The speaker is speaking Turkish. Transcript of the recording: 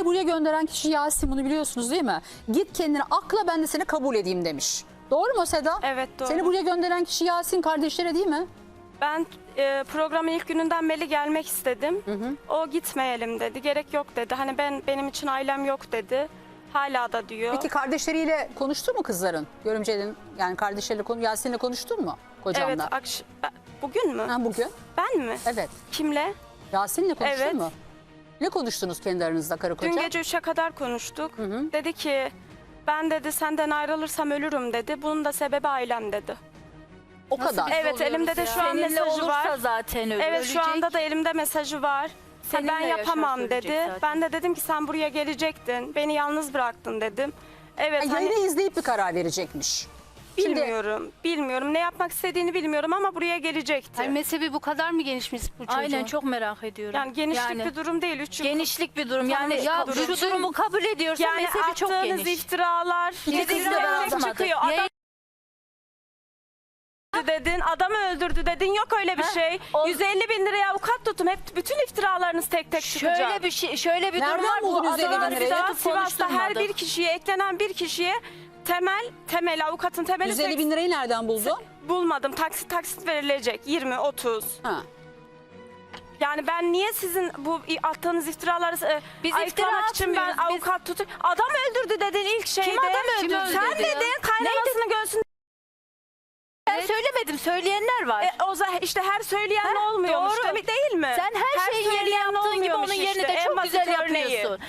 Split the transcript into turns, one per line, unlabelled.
buraya gönderen kişi Yasin, bunu biliyorsunuz değil mi? Git kendini akla, ben de seni kabul edeyim demiş. Doğru mu Seda?
Evet, doğru.
Seni buraya gönderen kişi Yasin kardeşleri değil mi?
Ben programın ilk gününden beri gelmek istedim. O gitmeyelim dedi. Gerek yok dedi. Hani benim için ailem yok dedi. Hala da diyor.
Peki kardeşleriyle konuştun mu kızların? Görümcenin yani kardeşleriyle Yasin'le konuştun mu kocanla?
Evet, bugün mü?
Ha, bugün?
Ben mi?
Evet.
Kimle?
Yasin'le konuştun
Evet.
mu? Ne konuştunuz kendi aranızda karı koca?
Dün gece 3'e kadar konuştuk. Dedi ki ben dedi senden ayrılırsam ölürüm dedi. Bunun da sebebi ailem dedi.
O kadar.
Evet, elimde de şu an
Seninle
mesajı
olursa
var.
zaten
Evet,
ölecek.
şu anda da elimde mesajı var.
Seninle
Ben yapamam
yaşarsa ölecek
dedi.
zaten.
Ben de dedim ki sen buraya gelecektin. Beni yalnız bıraktın dedim. Evet,
Yani
hani
yayını izleyip bir karar verecekmiş. Şimdi
bilmiyorum. Ne yapmak istediğini bilmiyorum ama buraya gelecekti.
Hayır, mezhebi bu kadar mı genişmiş bu çocuğun?
Aynen, çok merak ediyorum.
Yani genişlik bir durum değil. 3 yıl.
genişlik bir durum. Yani
Ya
şu durumu kabul ediyorsa
Yani
mezhebi çok
attığınız
geniş.
iftiralar.
İki kız da ben
atmadım.
çıkıyor. Adam dedin, adamı öldürdü dedin, yok öyle bir şey.
o-
150 bin liraya avukat tutun, hep bütün iftiralarınız tek tek çıkacak.
Şöyle bir
Nereden
durum var. Bu
buldun 150 bin
adamlar
lirayı?
bir daha
Sivas'ta her
konuşturmadı.
bir kişiye eklenen bir kişiye temel avukatın temeli
150 bin lirayı nereden buldun?
bulmadım. Taksit verilecek 20 30.
Ha.
Yani ben niye sizin bu attığınız iftiraları
Biz
ayıklamak
iftira
için ben
atmıyoruz.
avukat tutun. Adam öldürdü dedin ilk şeyde.
Kim adam öldürdü
Sen
dedi ya?
dedin kaynanasını göğsünde.
Ben söylemedim, söyleyenler var.
İşte her söyleyen olmuyormuş
doğru.
değil mi?
Sen her şeyin yerini
söyleyen
yaptığın gibi onun
olmuyormuş
yerini
işte.
de
En
çok
basit
güzel
örneği.
yapıyorsun.